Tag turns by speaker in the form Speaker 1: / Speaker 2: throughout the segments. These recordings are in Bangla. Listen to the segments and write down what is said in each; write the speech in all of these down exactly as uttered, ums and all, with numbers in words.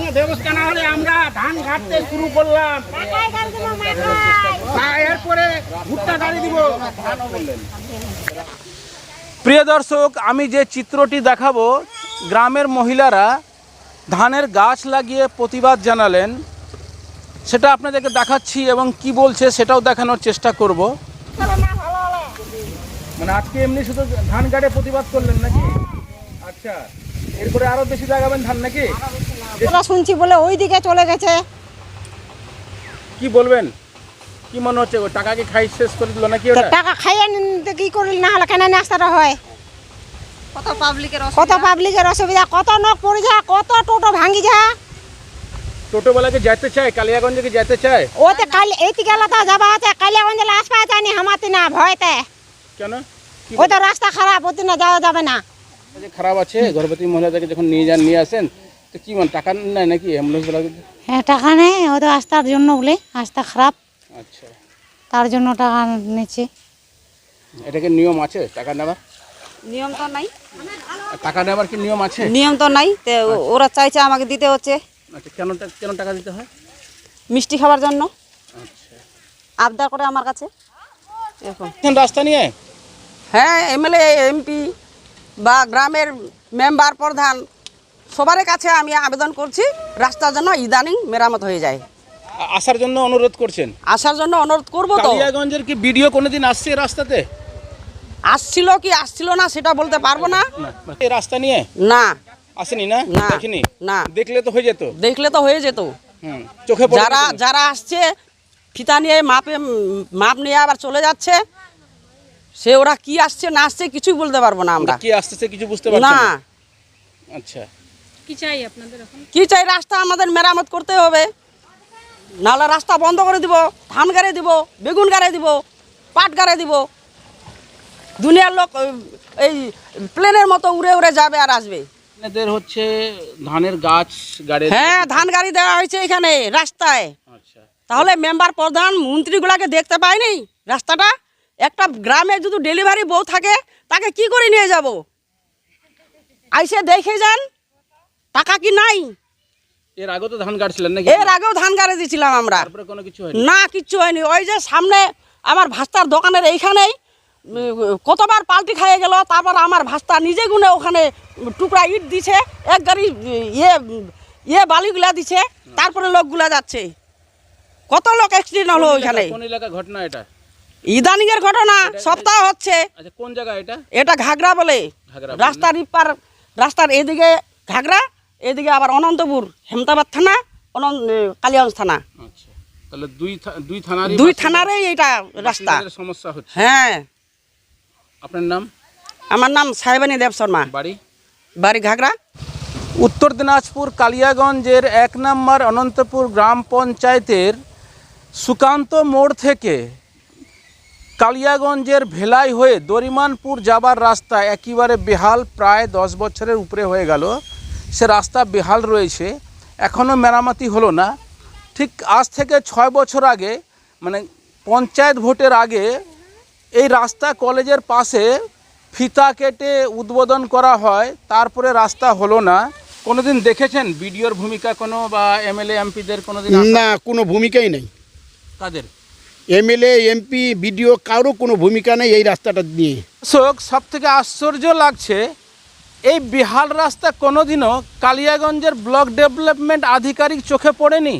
Speaker 1: ব্যবস্থা না হলে আমরা ধান ঘাটতে শুরু করলাম, এরপরে ভুট্টা গাড়ি দিব। প্রিয় দর্শক, আমি যে চিত্রটি দেখাবো, গ্রামের মহিলারা ধানের গাছ লাগিয়ে প্রতিবাদ জানালেন, সেটা আপনাদেরকে দেখাচ্ছি এবং কি বলছে সেটাও দেখানোর চেষ্টা করব। মানে আজকে এমনি শুধু ধান গাড়ে প্রতিবাদ করলেন নাকি? আচ্ছা, এরপরে আরো বেশি লাগাবেন ধান নাকি?
Speaker 2: শুনছি বলে ওই দিকে চলে গেছে।
Speaker 1: কি বলবেন, কি মনে হচ্ছে? টাকা কি খাই শেষ করে দিল নাকি?
Speaker 2: টাকা খাইয়ে কি করল, না হলে কেন নাস্তাটা হয়? কত পাবলিকের কত পাবলিকের অসুবিধা, কত নখ পড়ে যায়, কত টোটো ভাঙি যায়।
Speaker 1: টোটো বেলাকে যেতে চায়, কালিয়াগঞ্জে কি যেতে চায়?
Speaker 2: ওতে কালি এইটি গেলে তো যাবা আছে, কালিয়াগঞ্জে আসবা চাইনি হামাতে না ভয়তে।
Speaker 1: কেন?
Speaker 2: ওই তো রাস্তা খারাপ, ওতে না যাওয়া যাবে না।
Speaker 1: খারাপ আছে, গর্ভবতী মহিলাদেরকে যখন নিয়ে যান নিয়ে আসেন তো কি মানে টাকা নেয় নাকি অ্যাম্বুলেন্স বেলা?
Speaker 2: হ্যাঁ, টাকা নেই, ও তো রাস্তার জন্য বলে, রাস্তা খারাপ।
Speaker 1: আচ্ছা,
Speaker 2: তার জন্য টাকা নিচ্ছে।
Speaker 1: এটাকে নিয়ম আছে টাকা নেওয়ার?
Speaker 3: নিয়ম তো নাই।
Speaker 1: টাকা নেওয়ার কি নিয়ম আছে?
Speaker 3: নিয়ম তো নাই, তো ওরা চাইছে আমাকে দিতে হচ্ছে।
Speaker 1: আচ্ছা, কেন কেন টাকা দিতে হয়?
Speaker 3: মিষ্টি খাওয়ার জন্য
Speaker 1: আচ্ছা,
Speaker 3: আবদার করে আমার কাছে। এখন
Speaker 1: রাস্তা নিয়ে
Speaker 3: হ্যাঁ, এমএলএ এমপি বা গ্রামের মেম্বার প্রধান সবার কাছে আমি আবেদন করছি রাস্তার জন্য ইদানিং মেরামত হয়ে যায়।
Speaker 1: আসার জন্য অনুরোধ করছেন?
Speaker 3: আসার জন্য অনুরোধ করবো। তো
Speaker 1: কালিয়াগঞ্জের কি ভিডিও কোনোদিন আসছে রাস্তাতে?
Speaker 3: আসছিল কি আসছিল না সেটা বলতে পারবো না।
Speaker 1: এই রাস্তা নিয়ে
Speaker 3: না
Speaker 1: আসেনি না?
Speaker 3: না,
Speaker 1: দেখিনি
Speaker 3: না।
Speaker 1: দেখলে তো হয়ে যেত।
Speaker 3: দেখলে তো হয়ে যেত।
Speaker 1: হুম, চোখে পড়ে
Speaker 3: যারা যারা আসছে ফিতা নিয়ে মাপে মাপ নিয়ে আবার চলে যাচ্ছে, সে ওরা কি আসছে না আসছে কিছুই বলতে পারবো না আমরা।
Speaker 1: কি আসছে কিছু বুঝতে পারছি
Speaker 3: না।
Speaker 1: না। আচ্ছা,
Speaker 3: কি চাই আপনাদের এখন? কি চাই, রাস্তা আমাদের মেরামত করতে হবে, নাহলে রাস্তা বন্ধ করে দিব, ধান গাড়ি দিব, বেগুন গাড়ি দিব, পাট গাড়ি দিব। দুনিয়ার লোক এই প্লেনের মতো উড়ে উড়ে যাবে আর আসবে।
Speaker 1: এদের হচ্ছে ধানের গাছ গাড়ি।
Speaker 3: হ্যাঁ, ধান গাড়ি দেওয়া হয়েছে এখানে রাস্তায়।
Speaker 1: আচ্ছা,
Speaker 3: তাহলে মেম্বার প্রধান মন্ত্রীগুলাকে দেখতে পাইনি রাস্তাটা? একটা গ্রামে যদি ডেলিভারি বউ থাকে তাকে কি করে নিয়ে যাব? আইসে দেখে যান, টাকা কি নাই?
Speaker 1: এর আগে তো ধান গাড়ছিলেন নাকি?
Speaker 3: এর আগেও ধান গাড়ি দিয়েছিলাম আমরা।
Speaker 1: তারপরে কোনো কিছু হয়নি?
Speaker 3: না, কিচ্ছু হয়নি। ওই যে সামনে আমার ভাস্তার দোকানের এইখানেই কতবার পাল্টি খাইয়ে গেল, তারপর আমার ভাস্তা নিজে গুনে ওখানে টুকরা ইট দিছে, এক গাড়ি ইয়ে ইয়ে বালিগুলা দিছে, তারপরে লোকগুলা যাচ্ছে। কত লোক অ্যাক্সিডেন্ট হলো ওইখানে।
Speaker 1: কোন এলাকা ঘটনা এটা?
Speaker 3: ইদানিং এর ঘটনা, সপ্তাহ হচ্ছে।
Speaker 1: আচ্ছা, কোন জায়গা এটা?
Speaker 3: এটা ঘাগরা বলে, রাস্তার ইপার, রাস্তার এদিকে ঘাগরা, এদিকে আবার অনন্তপুর হেমতাবাদ থানা, অনন্ত কালিয়াগঞ্জ থানা।
Speaker 1: আচ্ছা, তাহলে দুই দুই থানারই
Speaker 3: দুই থানারই এটা রাস্তা
Speaker 1: সমস্যা হচ্ছে।
Speaker 3: হ্যাঁ।
Speaker 1: আপনার নাম?
Speaker 3: আমার নাম সাহেবানী দেব শর্মা,
Speaker 1: বাড়ি?
Speaker 3: বাড়ি ঘাগরা।
Speaker 1: উত্তর দিনাজপুর কালিয়াগঞ্জের এক নম্বর অনন্তপুর গ্রাম পঞ্চায়েতের সুকান্ত মোড় থেকে কালিয়াগঞ্জের ভেলাই হয়ে দরিমানপুর যাবার রাস্তা একেবারে বেহাল, প্রায় দশ বছরের উপরে হয়ে গেল সে রাস্তা বেহাল রয়েছে, এখনও মেরামতি হলো না। ঠিক আজ থেকে ছয় বছর আগে, মানে পঞ্চায়েত ভোটের আগে, এই রাস্তা কলেজের পাশে ফিতা কেটে উদ্বোধন করা হয়, তারপরে রাস্তা হলো না। কোনোদিন দেখেছেন বিডিওর ভূমিকা কোনো, বা এমএলএ এমপিদের কোনোদিন?
Speaker 4: না, কোনো ভূমিকাই নেই।
Speaker 1: তাদের
Speaker 4: এমএলএ এমপি বিডিও কারো কোনো ভূমিকা নেই এই রাস্তাটা নিয়ে।
Speaker 1: দর্শক, সব থেকে আশ্চর্য লাগছে, এই বেহাল রাস্তা কোনোদিনও কালিয়াগঞ্জের ব্লক ডেভেলপমেন্ট আধিকারিক চোখে পড়েনি।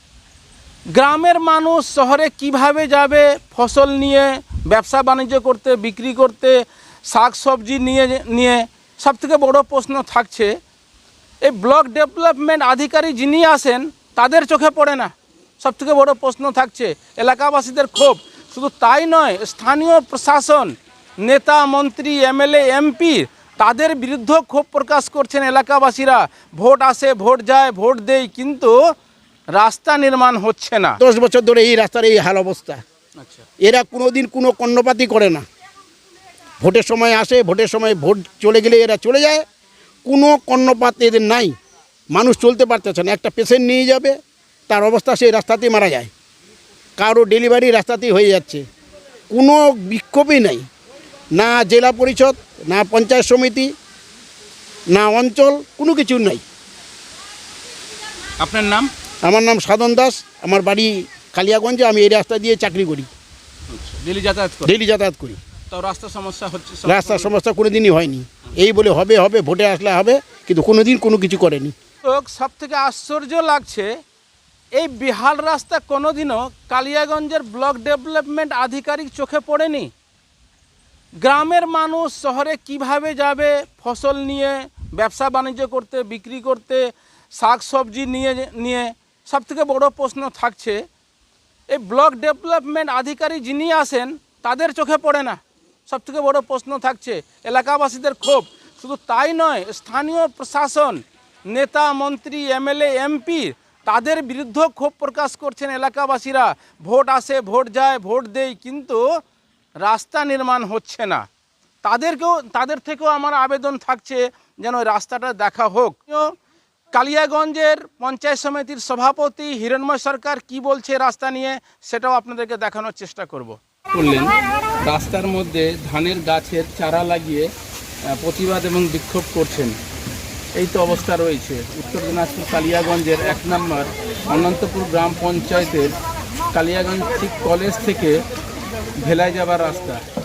Speaker 1: গ্রামের মানুষ শহরে কিভাবে যাবে ফসল নিয়ে, ব্যবসা বাণিজ্য করতে, বিক্রি করতে, শাক সবজি নিয়ে নিয়ে সব থেকে বড় প্রশ্ন থাকছে, এই ব্লক ডেভেলপমেন্ট আধিকারিক যিনি আসেন তাদের চোখে পড়ে না। সব থেকে বড় প্রশ্ন থাকছে এলাকাবাসীদের ক্ষোভ। শুধু তাই নয়, স্থানীয় প্রশাসন, নেতা মন্ত্রী, এমএলএ এমপি, তাদের বিরুদ্ধে ক্ষোভ প্রকাশ করছেন এলাকাবাসীরা। ভোট আসে, ভোট যায়, ভোট দেয়, কিন্তু রাস্তা নির্মাণ হচ্ছে না।
Speaker 4: দশ বছর ধরে এই রাস্তার এই হাল অবস্থা।
Speaker 1: আচ্ছা,
Speaker 4: এরা কোনোদিন কোনো কর্ণপাতই করে না। ভোটের সময় আসে, ভোটের সময় ভোট চলে গেলে এরা চলে যায়, কোনো কর্ণপাত এদের নাই। মানুষ চলতে পারতেছে না, একটা পেশেন্ট নিয়ে যাবে, তার অবস্থা সেই রাস্তাতেই মারা যায়, কারো ডেলিভারি রাস্তাতেই হয়ে যাচ্ছে। কোনো বিক্ষোভই নাই, না জেলা পরিষদ, না পঞ্চায়েত সমিতি, না অঞ্চল, কোনো কিছু নাই।
Speaker 1: আপনার নাম?
Speaker 4: আমার নাম সাধন দাস, আমার বাড়ি কালিয়াগঞ্জে, আমি এই রাস্তা দিয়ে চাকরি করি,
Speaker 1: ডেলি যাতায়াত করে?
Speaker 4: ডেলি যাতায়াত করি।
Speaker 1: তো রাস্তা সমস্যা হচ্ছে?
Speaker 4: রাস্তার সমস্যা কোনো দিনই হয়নি, এই বলে হবে হবে ভোটে আসলে হবে, কিন্তু কোনো দিন কোনো কিছু করেনি।
Speaker 1: সব থেকে আশ্চর্য লাগছে, এই বিহাল রাস্তা কোনোদিনও কালিয়াগঞ্জের ব্লক ডেভেলপমেন্ট আধিকারিক চোখে পড়েনি। গ্রামের মানুষ শহরে কিভাবে যাবে ফসল নিয়ে, ব্যবসা বাণিজ্য করতে, বিক্রি করতে, শাক সবজি নিয়ে নিয়ে সব থেকে বড়ো প্রশ্ন থাকছে, এই ব্লক ডেভেলপমেন্ট আধিকারিক যিনি আসেন তাদের চোখে পড়ে না। সব থেকে বড়ো প্রশ্ন থাকছে এলাকাবাসীদের ক্ষোভ। শুধু তাই নয়, স্থানীয় প্রশাসন, নেতা মন্ত্রী, এমএলএ, এমপি, তাদের বিরুদ্ধে ক্ষোভ প্রকাশ করছেন এলাকাবাসীরা। ভোট আসে, ভোট যায়, ভোট দেয়, কিন্তু রাস্তা নির্মাণ হচ্ছে না। তাদেরকেও তাদের থেকেও আমার আবেদন থাকছে যেন ওই রাস্তাটা দেখা হোক। কালিয়াগঞ্জের পঞ্চায়েত সমিতির সভাপতি হিরণময় সরকার কি বলছে রাস্তা নিয়ে, সেটাও আপনাদেরকে দেখানোর চেষ্টা করব। করলেন রাস্তার মধ্যে ধানের গাছের চারা লাগিয়ে প্রতিবাদ এবং বিক্ষোভ করছেন, এই তো অবস্থা রয়েছে উত্তর দিনাজপুর কালিয়াগঞ্জের এক নম্বর অনন্তপুর গ্রাম পঞ্চায়েতের কালিয়াগঞ্জ ঠিক কলেজ থেকে ভেলায় যাবার রাস্তা।